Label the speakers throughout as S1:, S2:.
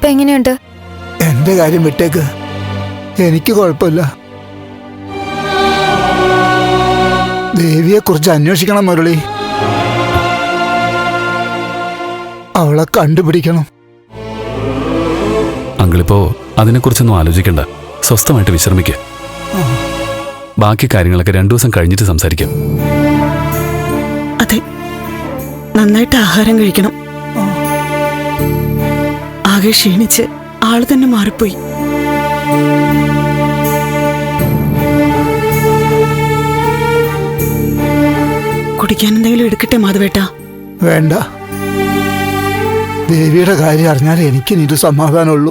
S1: ഇപ്പൊ എങ്ങനെയുണ്ട്?
S2: എന്റെ കാര്യം വിട്ടേക്ക്, എനിക്ക് കുഴപ്പമില്ല. ദേവിയെ കുറിച്ച് അന്വേഷിക്കണം മുരളി. അവളെ കണ്ടുപിടിക്കണം.
S3: അങ്കിളിപ്പോ അതിനെക്കുറിച്ചൊന്നും ആലോചിക്കണ്ട. സ്വസ്ഥമായിട്ട് വിശ്രമിക്കുക. ബാക്കി കാര്യങ്ങളൊക്കെ 2 ദിവസം കഴിഞ്ഞിട്ട് സംസാരിക്കാം.
S4: അതെ, നന്നായിട്ട് ആഹാരം കഴിക്കണം. ആകെ ക്ഷീണിച്ച് ആള് തന്നെ മാറിപ്പോയി. കുടിക്കാൻ എന്തെങ്കിലും എടുക്കട്ടെ മാധവേട്ടാ?
S2: വേണ്ട, ദേവിയുടെ കാര്യം അറിഞ്ഞാൽ എനിക്കിനിത് സമാധാനമുള്ളൂ.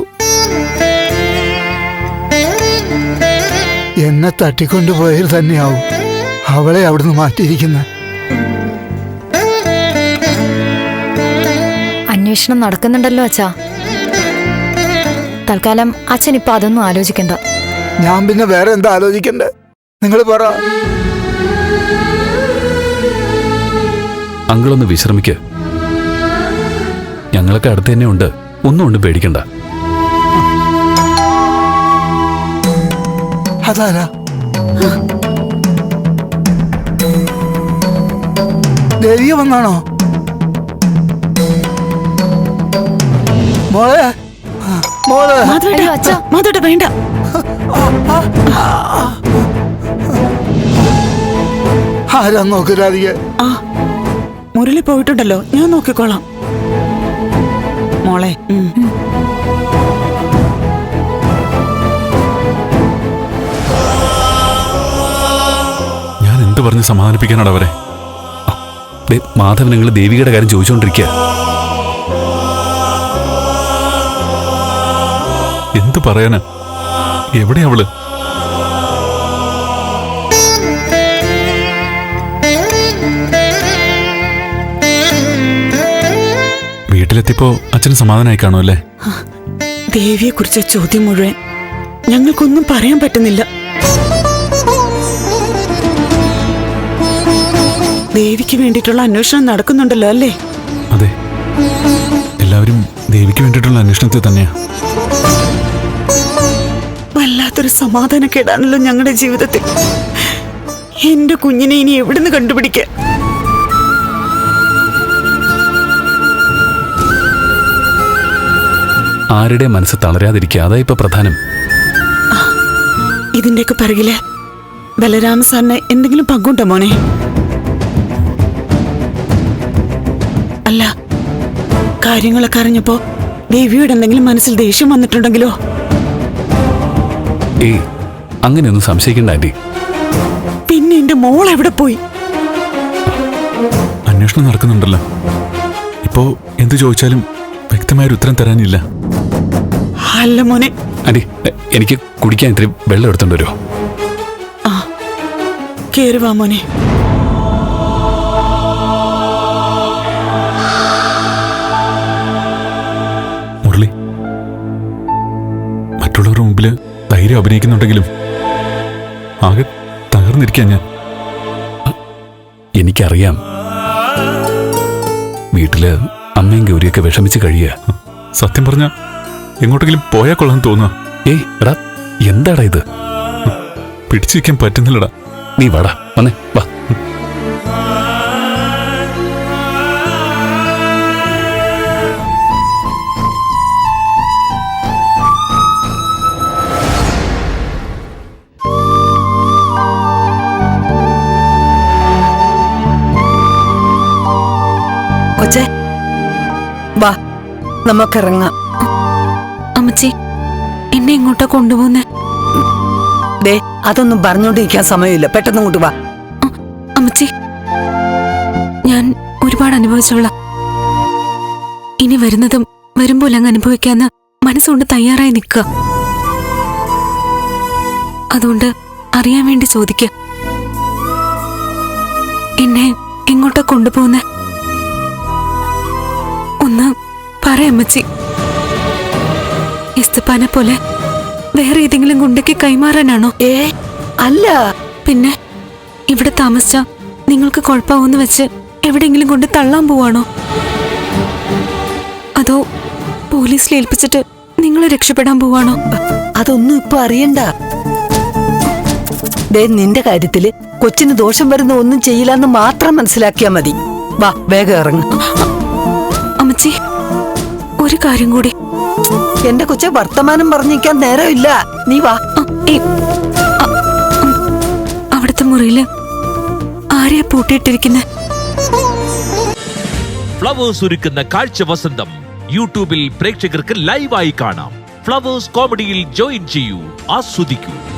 S2: എന്നെ തട്ടിക്കൊണ്ടുപോയത് തന്നെയാവും അവളെ അവിടുന്ന് മാറ്റിയിരിക്കുന്നത്.
S1: അന്വേഷണം നടക്കുന്നുണ്ടല്ലോ അച്ഛാ. തൽക്കാലം അച്ഛൻ ഇപ്പൊ അതൊന്നും ആലോചിക്കണ്ട.
S2: ഞാൻ പിന്നെ വേറെ എന്താ ആലോചിക്കണ്ടേ? നിങ്ങൾ പറ.
S3: അങ്കിളൊന്ന് വിശ്രമിക്ക്. ഞങ്ങളൊക്കെ അടുത്ത് തന്നെ ഉണ്ട്. ഒന്നും പേടിക്കണ്ട.
S2: അതാരാ? ദേവിയ വന്നാണോ? മോളെ, മോളെ.
S4: മാധവേട്ട വേണ്ട.
S2: ആരാ നോക്കരാധിക?
S4: മുരളി പോയിട്ടുണ്ടല്ലോ, ഞാൻ നോക്കിക്കോളാം. മോളെ,
S3: ഞാൻ എന്ത് പറഞ്ഞ് സമാധാനിപ്പിക്കാനാണ് അവരെ? മാധവൻ നിങ്ങൾ ദേവികയുടെ കാര്യം ചോദിച്ചുകൊണ്ടിരിക്കുക. എന്ത് പറയാനാ? എവിടെ അവള്? വീട്ടിലെത്തിയപ്പോ അച്ഛന് സമാധാനമായി കാണുമല്ലേ?
S4: ദേവിയെ കുറിച്ച ചോദ്യം മുഴുവൻ ഞങ്ങൾക്കൊന്നും പറയാൻ പറ്റുന്നില്ല. ദേവിക്ക് വേണ്ടിയിട്ടുള്ള അന്വേഷണം നടക്കുന്നുണ്ടല്ലോ അല്ലേ?
S3: അതെ, എല്ലാവരും ദേവിക്ക് വേണ്ടിയിട്ടുള്ള അന്വേഷണത്തിൽ തന്നെയാ.
S4: വല്ലാത്തൊരു സമാധാനക്കേടാണല്ലോ ഞങ്ങളുടെ ജീവിതത്തിൽ. എന്റെ കുഞ്ഞിനെ ഇനി എവിടുന്ന് കണ്ടുപിടിക്ക?
S3: ആരുടെ മനസ്സ് തളരാതിരിക്കുക, അതാ ഇപ്പൊ പ്രധാനം.
S4: ഇതിന്റെയൊക്കെ പിറകില് ബലരാമ സാറിന് എന്തെങ്കിലും പങ്കുണ്ടോ മോനെ? അല്ല, കാര്യങ്ങളൊക്കെ അറിഞ്ഞപ്പോ ദേവിയോട് എന്തെങ്കിലും മനസ്സിൽ ദേഷ്യം വന്നിട്ടുണ്ടെങ്കിലോ?
S3: ഏയ്, അങ്ങനെയൊന്നും സംശയിക്കണ്ട ആന്റി.
S4: പിന്നെ എന്റെ മോൾ എവിടെ പോയി?
S3: അന്വേഷണം നടക്കുന്നുണ്ടല്ലോ. ഇപ്പോ എന്ത് ചോദിച്ചാലും വ്യക്തമായൊരു ഉത്തരം തരാനില്ല.
S4: അല്ല മോനെ.
S3: ആന്റി, എനിക്ക് കുടിക്കാൻ ഇത്തിരി വെള്ളം എടുത്തോണ്ട് വരുമോ?
S4: ആ, കേറി വാ മോനെ.
S3: മുരളി, മറ്റുള്ളവരുടെ മുമ്പില് ധൈര്യം അഭിനയിക്കുന്നുണ്ടെങ്കിലും ആകെ തകർന്നിരിക്കാൻ ഞാൻ. എനിക്കറിയാം, വീട്ടില് അമ്മയും ഗൗരിയൊക്കെ വിഷമിച്ച് കഴിയുക. സത്യം പറഞ്ഞ എങ്ങോട്ടെങ്കിലും പോയാൽ കൊള്ളാൻ തോന്നുക. ഏയ് എടാ, എന്താടാ ഇത്? പിടിച്ചു വയ്ക്കാൻ പറ്റുന്നില്ലടാ. നീ വാടാ, വന്നേ വാ.
S5: കൊച്ചേ, വാ നമുക്കിറങ്ങാം.
S1: അമ്മച്ചി, എന്നെ ഇങ്ങോട്ടാ കൊണ്ടുപോകുന്നേ?
S5: ദേ, അതൊന്നും പറഞ്ഞോണ്ടിരിക്കാൻ സമയമില്ല. പെട്ടെന്ന് ഇങ്ങോട്ട് വാ.
S1: അമ്മച്ചി, ഞാൻ ഒരുപാട് അനുഭവിച്ചോളാം. ഇനി വരുന്നതും വരുമ്പോൾ അങ്ങ് അനുഭവിക്കാന്ന് മനസ്സുകൊണ്ട് തയ്യാറായി നിൽക്കുക. അതുകൊണ്ട് അറിയാൻ വേണ്ടി ചോദിക്കുക, എന്നെ എങ്ങോട്ടാ കൊണ്ടുപോകുന്നേ? ഒന്ന് പറയമ്മച്ചി. ഇസ്തപ്പാനെ പോലെ വേറെ ഏതെങ്കിലും ഗുണ്ടയ്ക്ക് കൈമാറാനാണോ?
S5: അല്ല.
S1: പിന്നെ ഇവിടെ താമസിച്ച നിങ്ങൾക്ക് കുഴപ്പമാവെന്ന് വെച്ച് എവിടെയെങ്കിലും കൊണ്ട് തള്ളാൻ പോവാണോ? അതോ പോലീസിൽ ഏൽപ്പിച്ചിട്ട് നിങ്ങൾ രക്ഷപ്പെടാൻ പോവാണോ?
S5: അതൊന്നും ഇപ്പൊ അറിയണ്ട. ദേ നിന്റെ കാര്യത്തില് കൊച്ചിന് ദോഷം വരുന്ന ഒന്നും ചെയ്യില്ലെന്ന് മാത്രം മനസ്സിലാക്കിയാ മതി. വാ വേഗം ഇറങ്ങ.
S1: അമ്മച്ചി, ഒരു കാര്യം കൂടി.
S5: എന്റെ കൊച്ചെ വർത്തമാനം പറഞ്ഞിരിക്കാൻ നേരമില്ല. നീ വാ.
S1: അവിടുത്തെ മുറിയില് ആരെയാ പൂട്ടിയിട്ടിരിക്കുന്നെ?
S6: ഫ്ലവേഴ്സ് ഒരുക്കുന്ന കാഴ്ച വസന്തം യൂട്യൂബിൽ പ്രേക്ഷകർക്ക് ലൈവായി കാണാം. ഫ്ലവേഴ്സ് കോമഡിയിൽ ജോയിൻ ചെയ്യൂ, ആസ്വദിക്കൂ.